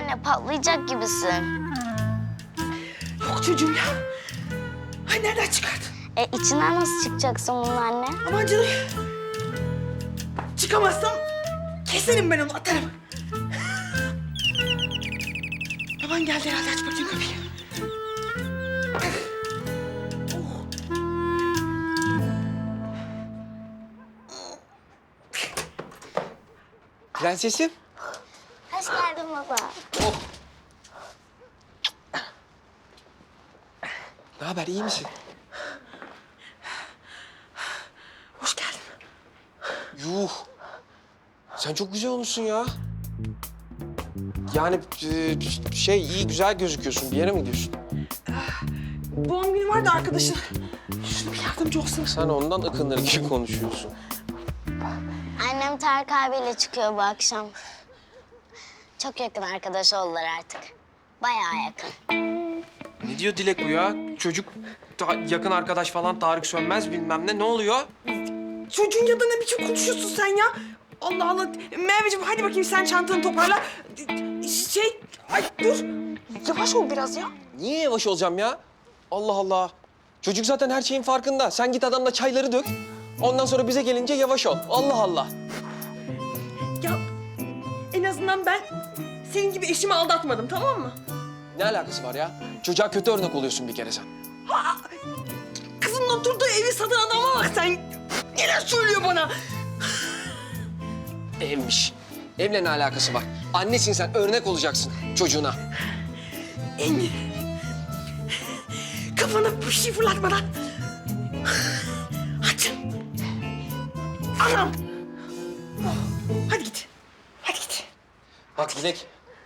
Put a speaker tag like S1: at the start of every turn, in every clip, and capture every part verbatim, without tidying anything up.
S1: anne, patlayacak gibisin.
S2: Yok çocuğum ya. Ay nereden çıkardın?
S1: E içinden nasıl çıkacaksın bunun anne?
S2: Aman canım. Çıkamazsam keserim ben onu, atarım. Baban geldi herhalde, aç bakayım kapıyı.
S3: Prensesim.
S1: Hoş geldin baba.
S3: Oh. Ne haber, iyi misin?
S2: Hoş geldin.
S3: Yuh. Sen çok güzel olmuşsun ya. Yani e, şey iyi güzel gözüküyorsun. Bir yere mi gidiyorsun?
S2: Doğum günü var da arkadaşın. Şuna bir yardımcı olsana.
S3: Sen ondan ıkınır gibi konuşuyorsun.
S1: Annem Tarık abiyle çıkıyor bu akşam. Çok yakın arkadaş oldular artık. Bayağı yakın.
S3: Ne diyor Dilek bu ya? Çocuk ta- yakın arkadaş falan Tarık Sönmez bilmem ne. Ne oluyor?
S2: Çocuğun yanında ne biçim konuşuyorsun sen ya? Allah Allah. Merveciğim hadi bakayım sen çantanı toparla. Şey, ay dur. Yavaş ol biraz ya.
S3: Niye yavaş olacağım ya? Allah Allah. Çocuk zaten her şeyin farkında. Sen git adamla çayları dök. Ondan sonra bize gelince yavaş ol. Allah Allah.
S2: Ya en azından ben senin gibi eşimi aldatmadım, tamam mı?
S3: Ne alakası var ya? Çocuğa kötü örnek oluyorsun bir kere sen.
S2: Kızın oturduğu evi satan adama bak sen. Neler söylüyor bana?
S3: Evmiş. Evle ne alakası var? Annesin sen, örnek olacaksın çocuğuna.
S2: Engin. Kafana bir şey fırlatmadan. Hadi. Anam. Oh, hadi git. Hadi git.
S3: Bak Dilek.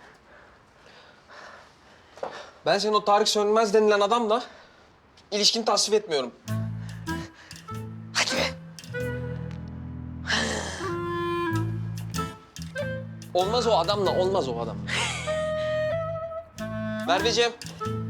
S3: Ben senin o Tarık Sönmez denilen adamla ilişkini tasvip etmiyorum.
S2: Hadi be.
S3: Olmaz o adamla, olmaz o adam. Merveciğim,